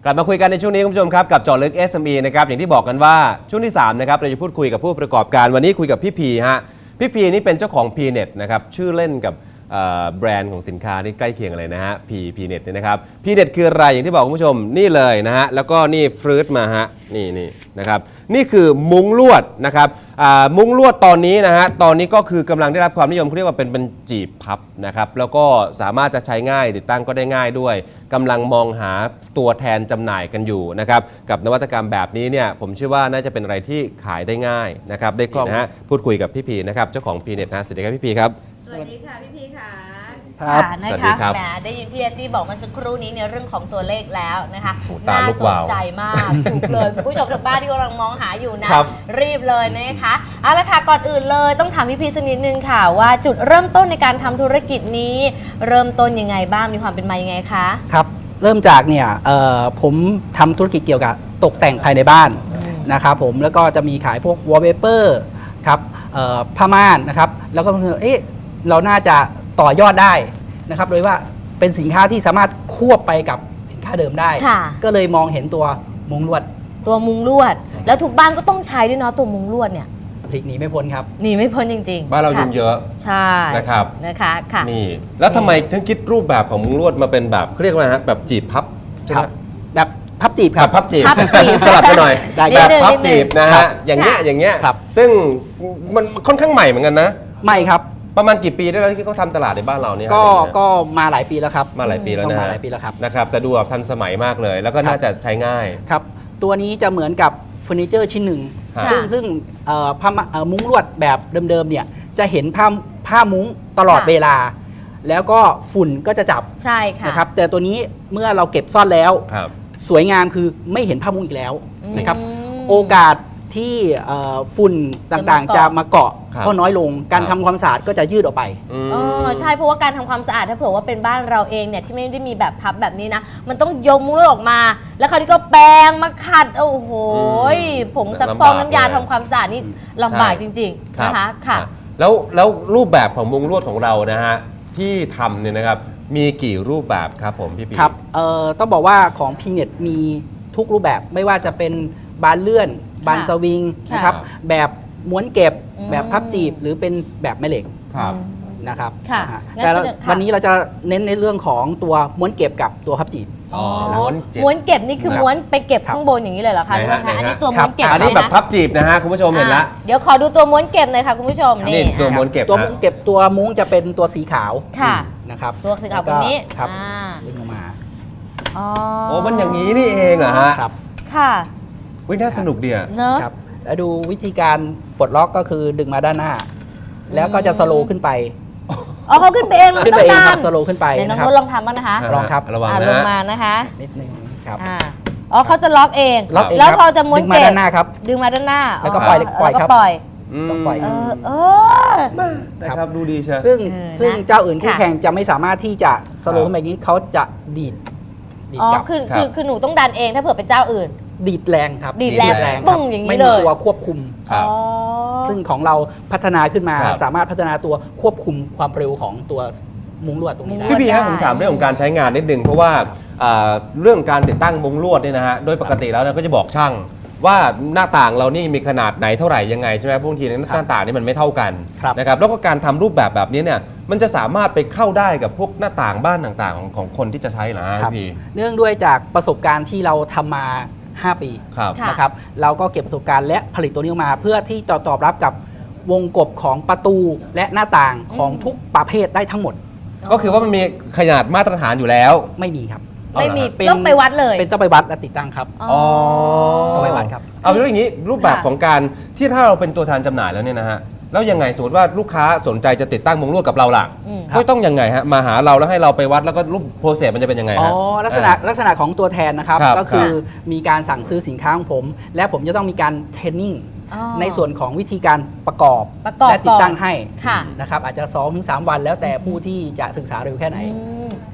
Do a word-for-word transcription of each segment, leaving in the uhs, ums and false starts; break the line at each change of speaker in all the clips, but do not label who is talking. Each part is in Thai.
กลับมาคุยกันในช่วงนี้คุณผู้ชมครับกับเจาะลึก เอส เอ็ม อี นะครับอย่างที่บอกกันว่าช่วงที่สามนะครับเราจะพูดคุยกับผู้ประกอบการวันนี้คุยกับพี่พีฮะพี่พีนี่เป็นเจ้าของ พี เน็ต นะครับชื่อเล่นกับแบรนด์ของสินค้าที่ใกล้เคียงอะไรนะฮะ P พี เน็ต เนี่ยนะครับ พี เน็ต คืออะไรอย่างที่บอกคุณผู้ชมนี่เลยนะฮะแล้วก็นี่ฟรุตมาฮะนี่นี่นะครับนี่คือมุ้งลวดนะครับมุ้งลวดตอนนี้นะฮะตอนนี้ก็คือกำลังได้รับความนิยมเขาเรียกว่าเป็นเป็นจีบพับนะครับแล้วก็สามารถจะใช้ง่ายติดตั้งก็ได้ง่ายด้วยกำลังมองหาตัวแทนจำหน่ายกันอยู่นะครับกับนวัตกรรมแบบนี้เนี่ยผมเชื่อว่าน่าจะเป็นอะไรที่ขายได้ง่ายนะครับได้คล่องนะฮะพูดคุยกับพี่พีนะครับเจ้าของ พี เน็ต นะสวัสดีครับพี่พีครับ
สวัสดีค่ะพี่พีค่ะ
ครับ
นะคะแหมได้ยินพี่เอตตี้บอกมาสักครู่นี้ในเรื่องของตัวเลขแล้วนะคะน่าสนใจมากถูกเลยผู้ชมทางบ้านที่กำลังมองหาอยู่นะรีบเลยนะคะเอาละค่ะก่อนอื่นเลยต้องถามพี่พีสักนิดนึงค่ะว่าจุดเริ่มต้นในการทำธุรกิจนี้เริ่มต้นยังไงบ้างมีความเป็นมายังไงคะ
ครับเริ่มจากเนี่ยผมทำธุรกิจเกี่ยวกับตกแต่งภายในบ้านนะครับผมแล้วก็จะมีขายพวกวอลเปเปอร์ครับผ้าม่านนะครับแล้วก็เอ๊ะเราน่าจะต่อยอดได้นะครับโดยว่าเป็นสินค้าที่สามารถควบไปกับสินค้าเดิมได้ก็เลยมองเห็นตัวมุ้งลวด
ตัวมุ้งลวดแล้วทุกบ้านก็ต้องใช้ด้วยเนาะตัวมุ้งลวดเนี่ย
พลิกหนีไม่พ้นครับ
หนีไม่พ้นจริง
ๆบ้านเรายุ่งเยอะ
ใช่
นะครับ
นะคะค่ะ
นี่แล้วทำไมถึงคิดรูปแบบของมุ้งลวดมาเป็นแบบเขาเรียกว่าฮะแบบจีบพับ
ครับแบบพับจีบครับ
พับจีบสลับกันหน่อยแบบพับจีบนะฮะอย่างเงี้ยอย่างเงี้ยซึ่งมันค่อนข้างใหม่เหมือนกันนะ
ใหม่ครับ
ประมาณกี่ปีได้แล้วที่เขาทำตลาดในบ้านเราเนี่ย
ก็ก็มาหลายปีแล้วครับ
มาหลายปีแล้วนะ
มาหลายปีแล้วครับ
นะครับแต่ดูแบบทันสมัยมากเลยแล้วก็น่าจะใช้ง่าย
ครับตัวนี้จะเหมือนกับเฟอร์นิเจอร์ชิ้นหนึ่งซึ่งซึ่งผ้ามุ้งลวดแบบเดิมๆเนี่ยจะเห็นผ้าผ้ามุ้งตลอดเวลาแล้วก็ฝุ่นก็จะจับ
ใช่ค่ะ
นะครับแต่ตัวนี้เมื่อเราเก็บซ่อนแล้วสวยงามคือไม่เห็นผ้ามุ้งอีกแล้วนะครับโอกาสที่ฝุ่นต่างๆจะมาเกาะก็น้อยลงการทำความสะอาดก็จะยืดออกไป
อ๋อใช่เพราะว่าการทำความสะอาดถ้าเผื่อว่าเป็นบ้านเราเองเนี่ยที่ไม่ได้มีแบบพับแบบนี้นะมันต้องยกมุ้งลวดออกมาแล้วคราวนี้ก็แปรงมาขัดโอ้โหผงซักฟอกน้ำยาทำความสะอาดนี่ลำบากจริงๆนะคะค่ะ
แล้วแล้วรูปแบบของมุ้งลวดของเรานะฮะที่ทำเนี่ยนะครับมีกี่รูปแบบครับผมพี่ปี
ครับเอ่อต้องบอกว่าของ พี เน็ต มีทุกรูปแบบไม่ว่าจะเป็นบานเลื่อนบานสวิงนะครับแบบม้วนเก็บแบบพับจีบหรือเป็นแบบแม่เหล็กนะครับแต่วันนี้เราจะเน้นในเรื่องของตัวม้วนเก็บกับตัวพับจีบ
ม้วนเก็บนี่คือม้วนไปเก็บข้างบนอย่างนี้เลยเหรอคะอันนี้ตัวม้วนเก็บ
อันนี้แบบพับจีบนะฮะคุณผู้ชมเห็นแล้ว
เดี๋ยวขอดูตัวม้วนเก็บหน่อยค่ะคุณผู้ชม
นี่ตัวม้วนเก็บ
ตัวม้วนเก็บตัวมุ้งจะเป็นตัวสีขาว
ค่ะ
นะครับ
ตัวสีขาวตรงนี้
ครับดึงออกมา
โอ้มันอย่างนี้นี่เองเหรอฮะ
ครับ
ค่ะ
วิน่าสนุกดีอ่ะ
เนอะ
ครับแล้วดูวิธีการปลดล็อกก็คือดึงมาด้านหน้าแล้วก็จะสโลว์ขึ้นไป
อ๋อเขาขึ้นไปเอง
ขึ้นไปเองครับสโลว์ขึ้นไป
น้องนุชลองทำบ้างนะคะ
ลองครับ
ระวังนะ
ลงมานะคะ
นิดนึงครับ
อ๋อเขาจะล็อกเองแล้วพอจะม้วนเก็บ
ดึงมาด้านหน้าครับ
ดึงมาด้านหน้า
แล้วก็ปล่อยปล่อยครับ
ปล่อย
ต้องปล่อย
เออเออ
ครับดูดีใช่
ซึ่งซึ่งเจ้าอื่นคู่แข่งจะไม่สามารถที่จะสโลว์ขึ้นแบบนี้เขาจะดีด
อ๋อคือคือคือหนูต้องดันเองถ้าเผื่อเป็นเจ้าอื่น
ดีดแรงครับ
ดีดแรงปุ้งอย่างนี้เลย
ไม่มีตัวควบคุมซึ่งของเราพัฒนาขึ้นมาสามารถพัฒนาตัวควบคุมความเร็วของตัวมุ้งลวดตรงนี้ได้
พี่พี่ครับผมถามเรื่องของการใช้งานนิดนึงเพราะว่าเรื่องการติดตั้งมุ้งลวดเนี่ยนะฮะโดยปกติแล้วเราก็จะบอกช่างว่าหน้าต่างเรานี่มีขนาดไหนเท่าไหร่ยังไงใช่ไหมบางทีหน้าต่างนี่มันไม่เท่ากันนะครับแล้วก็การทำรูปแบบแบบนี้เนี่ยมันจะสามารถไปเข้าได้กับพวกหน้าต่างบ้านต่างๆของของคนที่จะใช้เหรอพี่
เนื่องด้วยจากประสบการณ์ที่เราทำมาห้าปีนะครับเราก็เก็บประสบการณ์และผลิตตัวนี้ออกมาเพื่อที่จะตอบรับกับวงกบของประตูและหน้าต่างของทุกประเภทได้ทั้งหมด
ก็คือว่ามันมีขนาดมาตรฐานอยู่แล้ว
ไม่มีครับ
ไม่มีต้องไปวัดเลย
เป็นต้องไปวัดและติดตั้งครับ
อ๋อ
ต้องไปวัดครับ
เอาเรื่องอย่างนี้รูปแบบของการที่ถ้าเราเป็นตัวแทนจำหน่ายแล้วเนี่ยนะฮะแล้วยังไงสมมติว่าลูกค้าสนใจจะติดตั้งมุ้งลวดกับเราล่ะก็ต้องยังไงฮะมาหาเราแล้วให้เราไปวัดแล้วก็รูปโปรเซสมันจะเป็นยังไงฮะ
อ๋อลักษณะลักษณะของตัวแทนนะครับก็คือมีการสั่งซื้อสินค้าของผมและผมจะต้องมีการเทรนนิ่งในส่วนของวิธีการประกอบและติดตั้งให้นะครับอาจจะ สองถึงสาม วันแล้วแต่ผู้ที่จะศึกษาเร็วแค่ไหน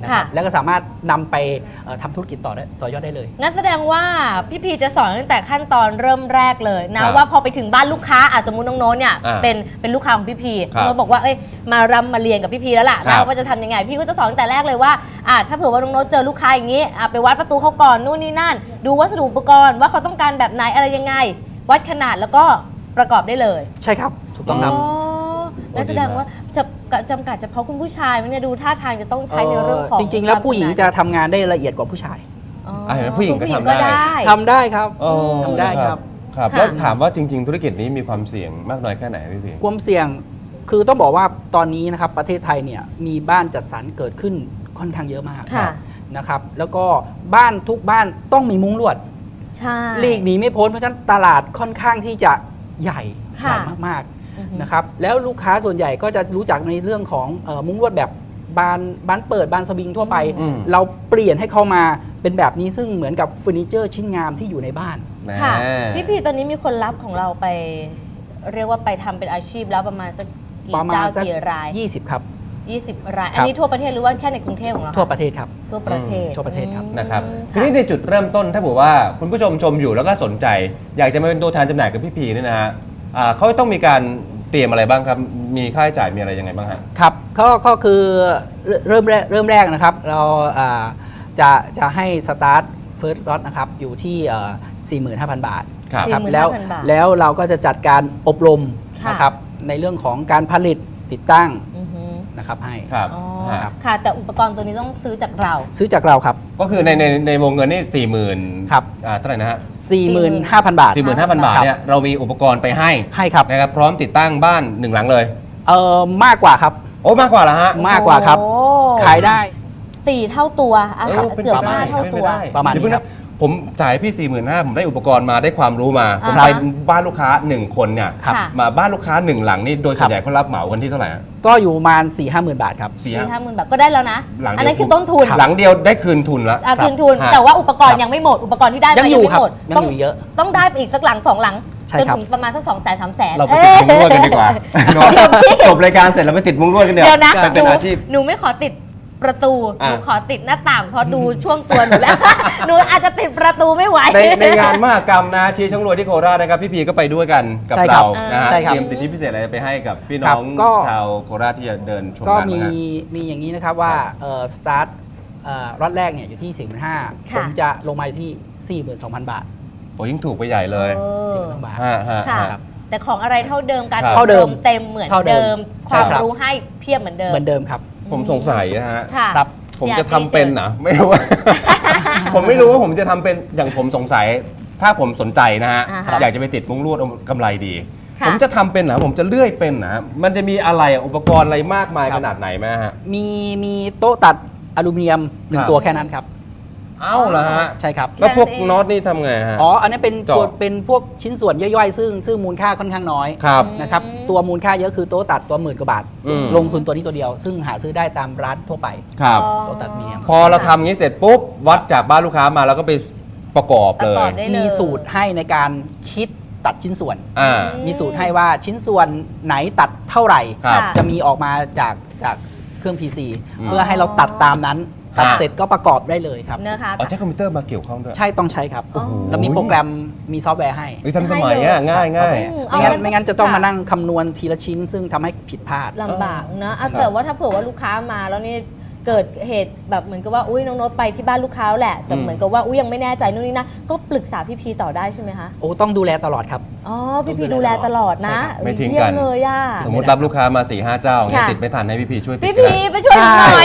นะครับ
ค่ะ
แล้วก็สามารถนำไปเอ่อทำธุรกิจต่อได้ต่อยอดได้เลย
งั้นแสดงว่าพี่พีจะสอนตั้งแต่ขั้นตอนเริ่มแรกเลยนะ
ครับ
ว่าพอไปถึงบ้านลูกค้าอ่ะสมมุติน้องโน้ตเนี่ย
อ่า
เป็นเป็นลูกค้าของพี่พี
ครับ
น้องโน้ตบอกว่าเอ้ยมารำมาเรียนกับพี่พีแล้วล่ะ
ครับ
นะว่าจะทำยังไงพี่ก็จะสอนตั้งแต่แรกเลยว่าอ่ะถ้าเผื่อว่าน้องโน้ตเจอลูกค้าอย่างนี้อ่ะไปวัดประตูเขาก่อนนู่นนี่นั่น ดูวัสดุอุปกรณ์ว่าเขาต้องการแบบไหนอะไรยังไง วัดขนาดแล้วก็ประกอบได้เลย
ใช่ครับ ถูกต้องครับ
อ๋อนั่นแสดงว่าจะจำกัดเฉพาะคุณผู้ชายไหมเนี่ยดูท่าทางจะต้องใช้ในเรื่องของ
จริง ๆ แล้วผู้หญิง
คาม
จะ
ชำนาญ
ทำงานได้ละเอียดกว่าผู้ชาย
อ๋อ
อ่ะเห็นไหมผู้หญิงก็
คุณ
ทำได้
ทำได้ครับ
อ๋อ
ทำได้ครับ
ครับ
ค่ะ
แล้วถามว่าจริง ๆ ธุรกิจนี้มีความเสี่ยงมากน้อยแค่ไหนพี่พี
ความเสี่ยงคือต้องบอกว่าตอนนี้นะครับประเทศไทยเนี่ยมีบ้านจัดสรรเกิดขึ้นค่อนข้างเยอะมาก
ค่ะ
นะครับแล้วก็บ้านทุกบ้านต้องมีมุ้งลวด
ใช่
หลีกหนีไม่พ้นเพราะฉะนั้นตลาดค่อนข้างที่จะใหญ่ให
ค่ะ
ญ่มาก
อือฮึ
ๆนะครับแล้วลูกค้าส่วนใหญ่ก็จะรู้จักในเรื่องของเอ่อมุ้งลวดแบบบานบานเปิดบานสวิงทั่วไป
อืม
เราเปลี่ยนให้เข้ามาเป็นแบบนี้ซึ่งเหมือนกับเฟอร์นิเจอร์ชิ้นงามที่อยู่ในบ้าน
ค่ะ
แน่
พี่พีตอนนี้มีคนรับของเราไป เรียกว่าไปทำเป็นอาชีพแล้วประมาณสักกี่
ประมาณ
เจ้า
สัก
กี่ราย
ยี่สิบครับ
ยี่สิบราย
ครับ
อันนี้ทั่วประเทศหรือว่าแค่ในกรุงเทพของเราค
ทั่วประเทศครับ
ทั่วประเทศ
อืมทั่วประเทศครับ
อืม
นะครับที
ค่ะ
นี้ในจุดเริ่มต้นถ้าบอกว่าคุณผู้ชมชมอยู่แล้วก็สนใจ อยากจะมาเป็นตัวแทนจำหน่ายกับพี่พีเนี่ยนะฮะอ่าเขาต้องมีการเตรียมอะไรบ้างครับ มีค่าใช้จ่ายมีอะไรยังไงบ้างฮะ
ครับก็ก็คือเริ่มแรกเริ่มแรกนะครับ เราอ่าจะจะให้สตาร์ทเฟิร์สล็อตนะครับอยู่ที่เอ่อสี่หมื่นห้าพัน บาท
ครับ
ครับ
สี่หมื่น
แล้ว
ห้าพันบาท
แล้วเราก็จะจัดการอบรม
ค่ะ
นะครับในเรื่องของการผลิตติดตั้ง
อือฮึ
นะครับให้
ครับ
อ๋อ
ฮะ
ค่ะ แต่อุปกรณ์ตัวนี้ต้องซื้อจากเรา
ซื้อจากเราครับ
ก็คือในในในวงเงินนี่สี่หมื่น
ครับ
อ่าเท่าไหร่นะฮะ
สี่หมื่นห้าพัน บาท
สี่หมื่นห้าพันบาทเนี่ยเรามีอุปกรณ์ไปให้
ให้ครับ
นะครับพร้อมติดตั้งบ้านหนึ่งหลังเลย
เอ่อมากกว่าครับ
โอ้มากกว่าแล้วฮะ
มากกว่าครับ
โอ้
ขายได้
สี่เท่าตัวอ่ะ
เออเป็น
เกือบ
ไปได้
ห้าเท่า
เป็น
ตั
ไป
ว
ได้
ประมาณนี้
เดี๋ยวเพิ่ง
ครั
นะ
บ
ผมจ่ายพี่ สี่หมื่นห้าพัน ผมได้อุปกรณ์มาได้ความรู้มา ผม
อ่า
ไป
ฮะ
บ้านลูกค้าหนึ่งคนเนี่ย
ครับ
ค่ะ
มาบ้านลูกค้าหนึ่งหลังนี่โดยส่วนใหญ่เขารับเหมากันที่เท่าไหร่ฮะ
ก็อยู่ประมาณสี่ห้าหมื่นบาทครับ
สี่
สี่ห้าหมื่นบาทก็ได้แล้วนะ
หลังเดียว
อันนั้นคือต้นทุน
หลังเดียวได้คืนทุนแล้ว
อ่ะ
ครับ
คืนทุน
ฮะ
แต่ว่าอุปกรณ์
ครับ
ยังไม่หมด อุปกรณ์ที่ได้
ยัง
มา
อ
ยั
ยู่
งไม่
ครับ
หมด
ยัง
ต้อง
อยู่เยอะ
ต้องได้ไปอีกสักหลังสองหลัง
ใช่
จน
ครับ
ถึงประมาณสักสองแสนสามแสน
เราไปติดมุ้งลวดกันดีกว่าเนอะจบรายการเสร็จเราไปติดมุ้งลวดกันเดี๋ยว
เดี๋ยวนะ
ไปเป็นอาชีพ
หนูไม่ขอติดประตูห
อ่ะ
นูขอติดหน้าต่างเพราะดูช่วงตัวหนูแล้ว หนูอาจจะติดประตูไม่ไหว
ในในงานมหกรรมนะชี้ช่างรวยที่โคราชนะครับพี่พีก็ไปด้วยกันกับ
ใช่ครั
เรา
บ
นะฮะ
ใช่ครับ
เตรียมสิทธิพิเศษอะไรไปให้กับพี่
ครั
น้
บ
อง
ก็
ชาวโคราชที่จะเดินชม
ก็
งาน
มี
นะฮะ
มีอย่างนี้นะครับว่าเอ่อสตาร์ทเอ่อรอดแรกเนี่ยอยู่ที่สี่หมื่นห้า
ค่ะ
ผมจะลงมาอยู่ที่สี่หมื่นสองพัน บาท
โอ้ยิ่งถูกไปใหญ่เลย
เออ
สี่หมื่นสองพัน บาท
ฮะฮะ
ค่ะ
ฮะ
แต่ของอะไรเท่าเดิมการ
ครับ
อบ
เท่าเดิ
ร
ม
มเต็มเหมือน
เท่าเดิ
เดิม
ม
ค
ใช่
วาม
ครับ
รู้ให้เพียบเหมือนเดิม
เหมือนเดิมครับ
ผมสงสัยนะฮะ
ค่ะ
ครับ
ผม
อยาก
จะทำ
ให้
เป็น
ชิญ
นะไม่รู้ว่า ผมไม่รู้ว่าผมจะทำเป็นอย่างผมสงสัย ถ้าผมสนใจนะฮะ
อ่าฮะ
อยากจะไปติดมุ้งลวดเอากำไรดี
ค่ะ
ผมจะทำเป็นเหรอผมจะเลื่อยเป็นนะมันจะมีอะไรอุปกรณ์อะไรมากมาย
ครั
ข
บ
นาดไหนไหมฮะ
มีมีโต๊ะตัดอลูมิเนียมหนึ่
ครั
ง
บ
ตัวแค่นั้นครับ
เอ้าเหรอฮะ
ใช่ครับ
แล้วพวก
แค่นั้นเอง
น็อตนี่ทำไงฮะ
อ๋อ อันนี้เป็น
เจาะ
ตัวเป็นพวกชิ้นส่วนย่อยๆ ซึ่งซึ่งมูลค่าค่อนข้างน้อย
ครับ
นะครับ
อืม
ตัวมูลค่าเยอะคือโต๊ะตัดตัวหมื่นกว่าบาท
อืม
ลงทุนตัวนี้ตัวเดียว ซึ่งหาซื้อได้ตามร้านทั่วไป
ครับ
อ๋อ
โต๊ะตัดอลูมิเนียม
พอเราทำงี้เสร็จปุ๊บวัดจากบ้านลูกค้ามาแล้วก็ไปประกอบ
ป
เล
ระกอย บได้เลย
มีสูตรให้ในการคิดตัดชิ้นส่วน
อ่า
อื
มีสูตรให้ว่าชิ้นส่วนไหนตัดเท่าไหร่
ครับ
ค่ะ
จะมีออกมาจากจากเครื่อง พี ซี
อืม
เพื่อให้เราตัดตามนั้น ตัด
ฮะ
เสร็จก็ประกอบได้เลยครับ
นะคะ
เอาใช้คอมพิวเตอร์มาเกี่ยวข้องด้วย
ใช่ต้องใช้ครับ
โอ้โห
แล้วมีโปรแกรมมีซอฟต์แวร์ให้
เฮ้ยทันสมัยอ่ะง่าย
ซอ
ง่า
ฟต์
ย
แวร์
อืม
ไม่งั้น
เอา
ไม่งั้นจะต้อง
ค่ะ
มานั่งคำนวณทีละชิ้น ซึ่งทำให้ผิดพลาด
ลำบากนะอ่ะแต่ว่าถ้าเผื่อว่าลูกค้ามาแล้วนี่เกิดเหตุแบบเหมือนกับว่าอุ้ยน้องโน้ตไปที่บ้านลูกค้าแหละแต่
อืม
เหมือนกับว่าอุ้ยยังไม่แน่ใจนู่นนี่นะก็ปรึกษาพี่พีต่อได้ใช่ไหมคะ
โอ้ต้องดูแลตลอดครับ
อ๋อพี่พีดูแลตลอดนะ
ใช่ครับ
ไม่ทิ้ง
เยี่ย
กัน
เลยอ่ะ
สมมติรับลูกค้ามา4ี่ห้าเจ้าเนี่ย
ค่ะ
ติดไม่ทันให้พี่พีช่วยติด
พี่
ก็
พี
ได้
ไปช่วยหนูหน่อย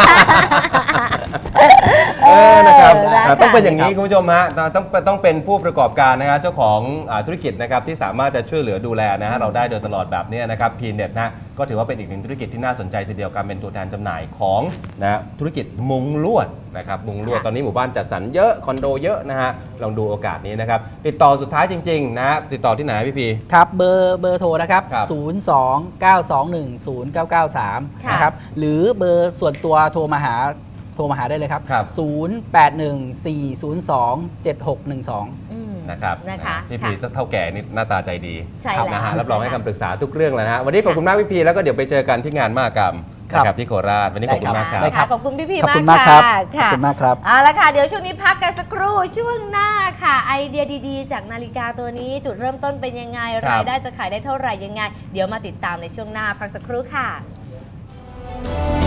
เออนะครับ
เออได้
อ่าต้องเป็นอย่าง
ครั
นี้
บ
คุณผู้ชมฮะต้องต้องเป็นผู้ประกอบการนะฮะเจ้าของอ่าธุรกิจนะครับที่สามารถจะช่วยเหลือดูแลนะฮะเราได้โดยตลอดแบบเนี้ยนะครับพีเน็ตนะก็ถือว่าเป็นอีกหนึ่งธุรกิจที่น่าสนใจทีเดียวการเป็นตัวแทนจำหน่ายของนะธุรกิจมุงลวดนะครับมุงลวด
ค่ะ
ตอนนี้หมู่บ้านจัดสรรเยอะคอนโดเยอะนะฮะลองดูโอกาสนี้นะครับติดต่อสุดท้ายจริงๆนะติดต่อที่ไหนพี่พี
ครับเบอร์เบอร์โทรนะครับ
ครับ
ศูนย์ สอง เก้า สอง หนึ่ง ศูนย์ เก้า เก้า สาม
ค่ะ
นะครับหรือเบอร์ส่วนตัวโทรมาหาโทรมาหาได้เลยครับ
ครับ
ศูนย์ แปด หนึ่ง สี่ ศูนย์ สอง เจ็ด หก หนึ่ง สอง
อืม
นะครับ
นะคะ
พี่
ค่ะ
พีเท่าแก่นี่หน้าตาใจดี
ใช่แล้ว
นะฮะรับรองให้คำปรึกษาทุกเรื่องเลยนะฮะวันนี้ขอบคุณมากพี่พีแล้วก็เดี๋ยวไปเจอกันที่งานมหกรรม
ครับ
นะครับที่โคราชวันนี้ขอบคุณมากครับ
ได้ครับ
ขอบคุณพี่พี
ขอบคุณ
มาม
าก ก
ค่ะ
ครับขอบ
ค่ะ
คุณมากครับ
เอาละค่ะเดี๋ยวช่วงนี้พักกันสักครู่ช่วงหน้าค่ะ ไอเดียดีๆ จากนาฬิกาตัวนี้จุดเริ่มต้นเป็นยังไง
ครับ
รายได้จะขายได้เท่าไหร่ยังไง เดี๋ยวมาติดตามในช่วงหน้าพักสักครู่ค่ะ